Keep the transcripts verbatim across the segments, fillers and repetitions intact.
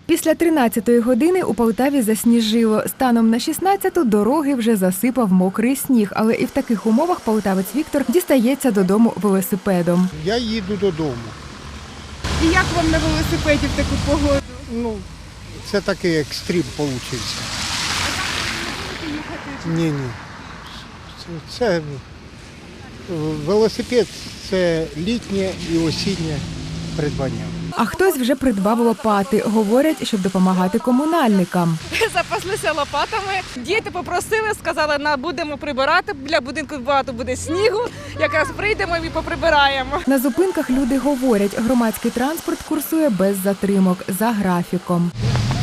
Після тринадцятої години у Полтаві засніжило. Станом на шістнадцяту дороги вже засипав мокрий сніг, але і в таких умовах полтавець Віктор дістається додому велосипедом. Я їду додому. І як вам на велосипеді в таку погоду? Ну, це такий екстрим вийшов. Ні, ні. Це, це велосипед це літнє і осіннє придбання. А хтось вже придбав лопати. Говорять, щоб допомагати комунальникам. Запаслися лопатами. Діти попросили, сказали, на будемо прибирати. Для будинку багато буде снігу. Якраз прийдемо і поприбираємо. На зупинках люди говорять, громадський транспорт курсує без затримок, за графіком.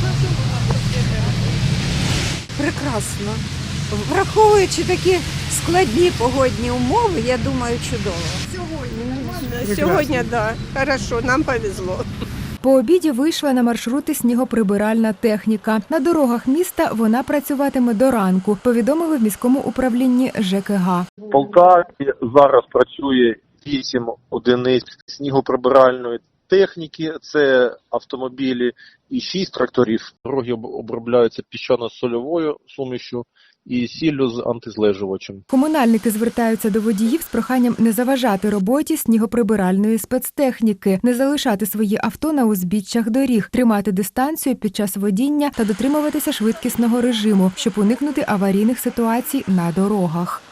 Прекрасно. Враховуючи такі складні погодні умови, я думаю, чудово. Сьогодні, так, да, хорошо, нам повезло. По обіді вийшла на маршрути снігоприбиральна техніка. На дорогах міста вона працюватиме до ранку, повідомили в міському управлінні ЖКГ. В Полтаві зараз працює вісім одиниць снігоприбиральної техніки, це автомобілі і шість тракторів. Дороги обробляються піщано-сольовою сумішю і сіллю з антизлежувачем. Комунальники звертаються до водіїв з проханням не заважати роботі снігоприбиральної спецтехніки, не залишати свої авто на узбіччях доріг, тримати дистанцію під час водіння та дотримуватися швидкісного режиму, щоб уникнути аварійних ситуацій на дорогах.